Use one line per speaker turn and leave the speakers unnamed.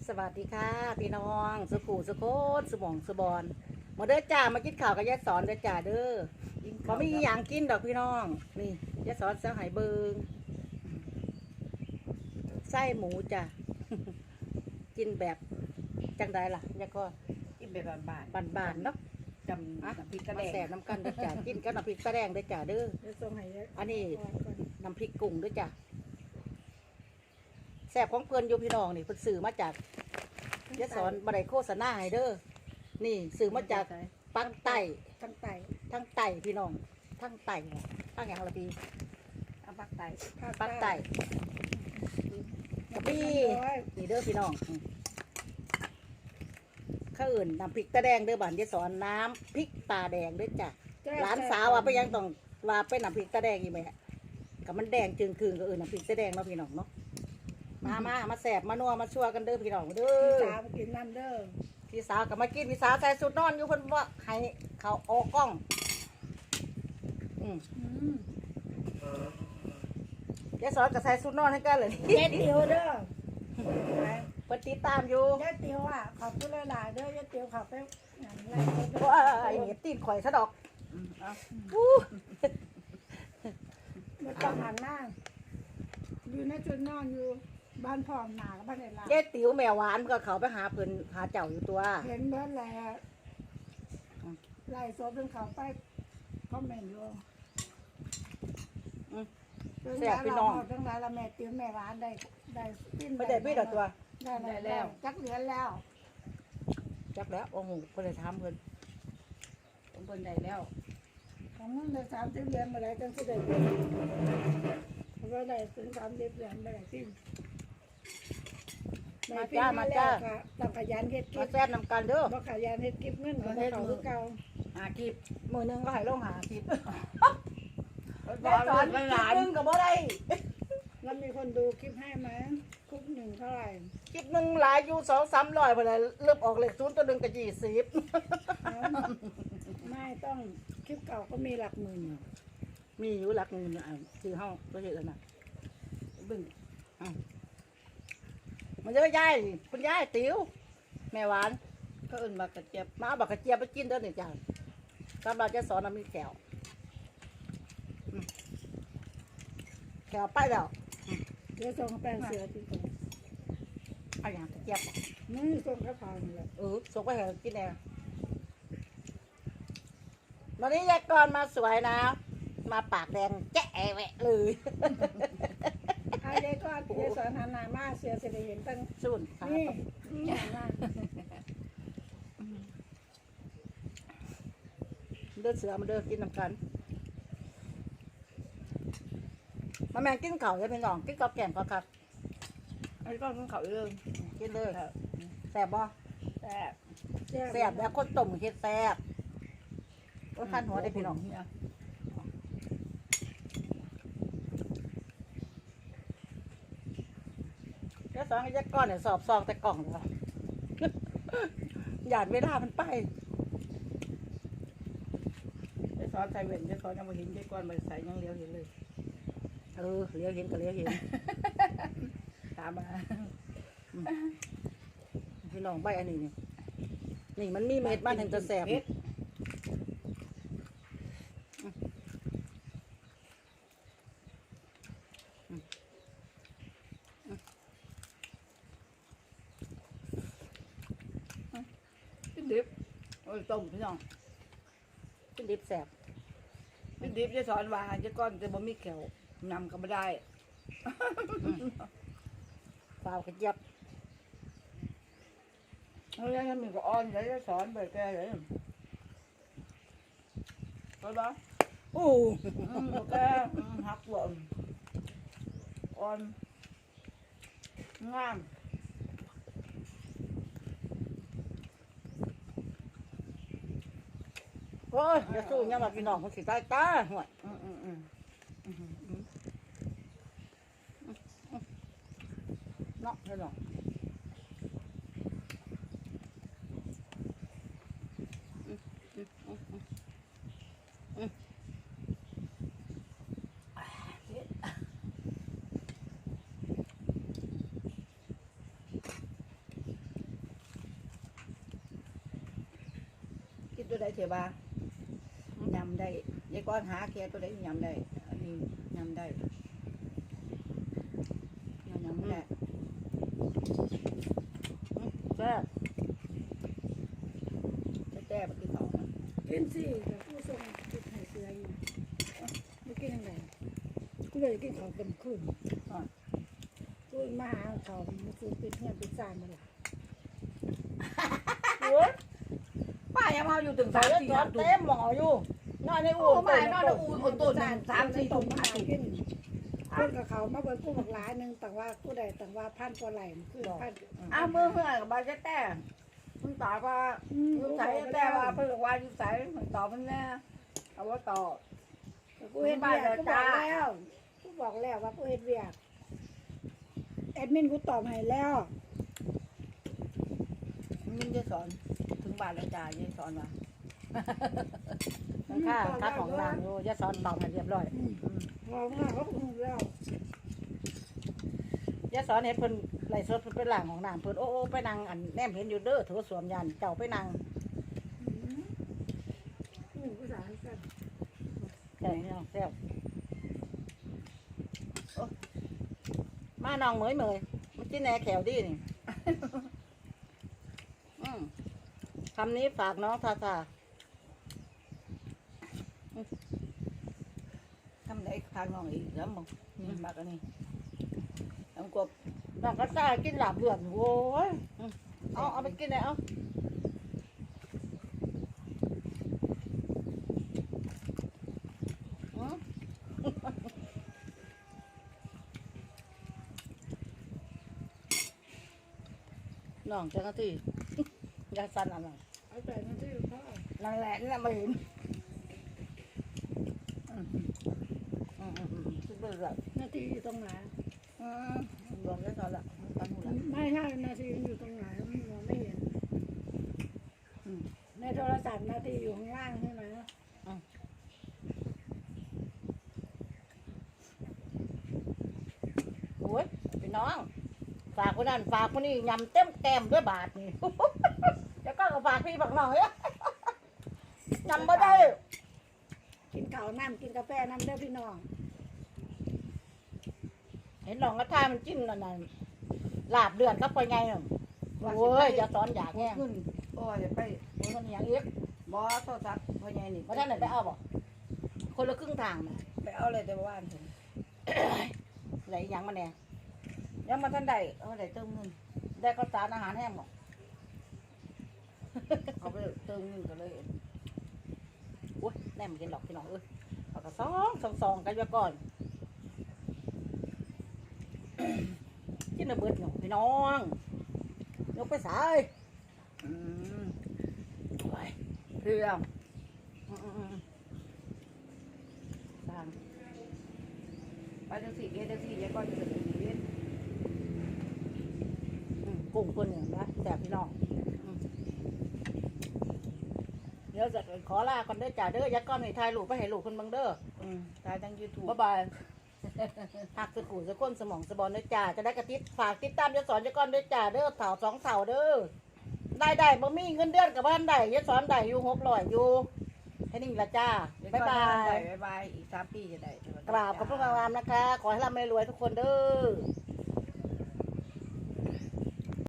สวัสดีค่ะพี่น้องสุขุสุโคตสมองสบอนมาเด้อจ้ามากินข้าวกับยายสอนเด้อจ้าเด้อบ่มีอหย่างกินดอกพี่น้องนี่ยายสอนเสียหายเบิงไส้หมูจ้ะ กินแบบจังใดล่ะยายก็
กินแบบบาน
บานๆเนาะ
ๆจำน้ำพริกกระ
มา
แด
แส
ง
บน้ำกันเด้อจ้ากินกับน้ำพริกตะแดงเด้อจ้าเด้อ
เดี๋ยวส่งให้เยอะ
อันนี้
ก่อน
น้ำพริกกุ้งเด้อจ้าแสบของเพื่อนอยู่พี่น้องนี่เพิ่นซื้อมาจากยายสอนบ่ได้โฆษณาให้เด้อนี่ซื้อมาจากปังไต้
ตั้งไต่
ทั้งไต่พี่น้องทั้งไต่เนี่ยทั้งอย่างละพี่
เอาปักไต
ปักไต่กับพี่นี่เด้อพี่น้องข้าวอื่นน้ำพริกตาแดงเด้อบ้านยายสอนน้ำพริกตาแดงเด้อจ้ะหลานสาวว่าไปยังต้องว่าไปน้ำพริกตาแดงอีกไหมกับมันแดงจึงคืนก็น้ำพริกตาแดงเนาะพี่น้องเนาะมาแสบมานัวมาชัวกันเด้อพี่น้องเด้
พี่
อ
สาวมากินน้ำเด้อ
พี่สาวกับมากินพี่สาวใส่สุดนอนอยู่เพิ่นว่าให้เขาออกกล้อง
อืม
ยายสอนกับใส่สุดนอนให้กันเลย
ยายติ๋วเด้อ
เพิ่นติดตามอยู่
ยายติ๋วอ่ะขอบคุณหลายๆเด้อยายติ๋วเขาไปอย่างไร
เพราะว่าไอ้เห็ดตีนข่อยซะดอก
เอา
อู้
ไม่ต้องหันหน้าอยู่ในจุดนอนอยู่บ้านพ่อหนากับบ้านไหนล่ะ
ยายติ๋วแม่หวานก็เขาไปหาเพิ่นหาเจ้าอยู่ตัว
เห็นเบิร์ดแล้วไล่โซบเป็นเขาไปคอมเมนต์อยู่
แซ่บพี่น้อง
ทั้งหลายละแม่ติ๋วแม่ร้านได้ปิ้น
ไม่ได้พี่ดอกตัว
ได้แล้วจักเหรียญแล้ว
จักแล้วโอ้โหเพิ่นได้ถามเพิ่น
ผมเพิ่นได้แล้ว
ของมึงได้30เหรียญมาได้จังสิได้เงินเพราะว่าได้ถึง30เหรียญมาได้สิ้นต้องขยันเฮ็ดกิ
มา
บ
แซ่บนำกันเด้อ
บ่ขยันเฮ็ดกิบเงินก็บ่เข้าคือเก่า
หาคลิป
มื้อหนึงก็ให้ลงหาคลิป
บอลลูกหลาน
คลิปหนึงก็บ่ได้
แล้วมีคนดูคลิปให้ไหมคลิปหนึ่งเท่าไหร่
คลิปหนึงหลายอยู่200-300พุ่นน่ะเริ่มออกเลข0ตัวหนึงก็20
ไม่ต้องคลิปเก่าก็มีหลักหมื่นอยู่
มีอยู่หลักเงินอ่ะซื้อเฮาบ่เฮ็ดแล้วน่ะเบิ่งมันเยอะยายคุณยายติ๋วแม่หวาน
ก็เอิ้นมากระเจี๊ยบ
มาเอาบักกระเจี๊ยบไปกินเด้อเนี่ยจ้าสำหรับจะสอนน้ำมีแขวแขวไปแล้ว
เดี๋ยวส่งแป้งเสือที่ตรง
เอาอย่างกระเจี๊ยบ
นี่ส่งกระเพราเลย
ส่งไปให้กินแน่วันนี้ยายกรมาสวยนะ มาปากแดงแจ๊ะแวะเลย
เอายายก็ยายสอนหันหน้ามาเสือจะได้เห็นตั้ง
สุนค่ะ
นี่หันหน้า
เดินเสือมาเดินกินน้ำกันมาแมงกินเข่าเลยพี่น้องกินกับแกงก็ครับ
ไอ้ก้อนของเขาเรื่อง
กินเลยแซ่บบ่
แต่
แซ่บแล้วคนต้มเฮ็ดแซ่บก็ขั้นหัวได้พี่น้อง
เนี่ย
แล้วสองไอ้ยักษ์ก้อนเนี่ยสอบซองแต่กล่องเลย หยาดเวลามันไป
ไอ้ซอสใส่เว้นไอ้ซอสยังมาเห็นไอ้ก้อนมาใส่ยังเลี้ยวเห็นเลย
เลี้ยวเห็นก็เลี้ยวเห็น
ตามมา
พี่น้องใบอันนี้นี่มันมีเม็ดมันถึงจะแสบ
กินดิบโอ้ยต้มพี่น้อง
เป็นดิบแสบ
กินดิบจะสอนว่าไอ้ก้อนจะบ่มีแขวนำก็ไม่ได้
ฟาวกระเจี๊ยบ
เพราะฉะนั้นมีก็อ่อนเลยจะสอนไปแกเลยก็บ้า
อู้
แกหักหล่นอ่อนงาม
โอ้ยจะสู้ยังว่าพี่น้องมันสิตายตาห่วย เนาะพี่น้อง
ตัวใดเถอะบ้า ยำได้ยายก้อนหาแค่ตัวได้ยำได้ อันนี้ยำได้ยำไม่ได้
แซ่บ
แจ้ๆไปกินของมัน
กินสิกับผู้ทรงกินไข่เสืออยู่ไม่กินยังไงกูเลยกินของเต็มคืนกูมาหาเขามันคือเป็นเพื่อนเป็นจานมาหละ
โอ้ย
ป้ายังมาอยู่ถึง
ใส่
3-4
ยศเต็มหมออยู่นอนในอู่
โอ้ป้านอนในอู่อุ่นตุ่น3-4
ต
ตุ่
ก
ม
มา
หาตุ่
กิน
ม
เพื่อนกับเขามาเบิ่งกูบอกหลายหนึ่งแต่ว่ากูได้แต่ว่าพันกว่าไหลมันคือพัน
อ้าวเมื่อกับบ้านแจ้ๆมึงตอบว่าอยู่ใส่แจ้ว่าเพื่อนว่าอยู่ใส่มึงตอบมันแน่เอาว่าตอบ
กูเห็นเบียกกูบอกแล้วกูบอกแล้วว่ากูเห็นเบียกแอดมินกูตอบให้แล้ว
มึงจะสอนถึงบ้านแล้วจ้ายายสอนมา
ข้าคัดของนางอยู่ยะสอนตอบให้เรียบร้อย
บอกว่าเขาพูดแล้ว
ยะสอนเห็นเพิ่นไหลสดเพิ่นไปหลังของนางเพิ่นโอ้ไปนั่งอันแนมเห็นอยู่เด้อถือสวมยันเจ้าไปนั่ง
ภาษาอังกฤษ
แซ่บพี่น้องแซ่บโอ้มาน้องเหมยมันกินแหนแขวดีนี่ คำนี้ฝากน้องทาทา
ทำได้ทางน้องอีกแล้วมึงนี่มากอันนี้น้ำกบ
น้องก็ซ่ากินหลาบเลือดโว้ยเอาไปกินเลยเอาน้องจังหวะที่ ยาสันอะไร
เอาแต่นั่นที่พ่อ
นั่นแหละนี่แหละมาเห็น
คิดว่าแบบ
นาทีอยู่ตรงไหน
รวมได้ตอนละตอนหูละ
ไม่ใช่นาทีอยู่ตรงไหนมันมองไม่เห็นในโทรศัพท์นาทีอยู่ข้างล่างใช่ไหม
โอ้ยพี่น้อง ฝากคนนั้นฝากคนนี้ยำเต็มแก้มด้วยบาทนี่ แล้วก็ฝากพี่ฝากน้องเนี่ย ยำไม่ได้
กินข้าวน้ำกินกาแฟน้ำเด้อพี่น้อง
เห็นน้องกระทามันจิ้มนั่นน่ะลาบเดือนก็ไปไงน่ะโอ้ยจะสอนอยากแง่
ขึ้นโอ้ยไป
มันก็อย่างเอ็ก
บอสโทรศัพท์พ่อใหญ่นี่
มาท่านไหนไปเอาบ่คนละครึ่งทางน่ะ
ไปเอาเลยแต่ว่าผม
ไหนยังมาแน่
ยังมาท่านใดเอาได้เติมเงิน
ได้ข้าวสารอาหารแห้งบ่
เอาไปเติมเงินกันเลย
โอ้ยแน่มันกินดอกพี่น้องเอ้ยเอากระซองกันไว้ก่อน กินระเบิดหนูพี่น้องยกไปสาย
อืม
เอาไป
เพื่อน
สร้าง
ไปจังสี่เกจังสี่ยายก้อนจะเป็นอย่างนี้
กุ้งคนหนึ่งนะแต่พี่น้องเดี๋ยวจะขอลาคนเด้อจ่าเด้อยักก้อนให้ทายลูกไปให้ลูกคนเบังเด้อ
ตายทั้งยูทูบ
บ๊ายบายหักสกูสะก้นสมองสะบอลเด้อจ่าจะได้กระติดฝากติดตามยศสอนยักก้อนเด้อจ่าเด้อเถา2 เถาเด้อได้บ่มีเงินเดือนกับบ้านได้ยศสอนได้อยู่600อยู่แค่นี้ละจ้าบ๊ายบาย
บ๊ายบายอีก3 ปีจะได้
กราบขอบพระคุณงามนะคะ ขอให้ร่ำให้รวยทุกคนเด้อ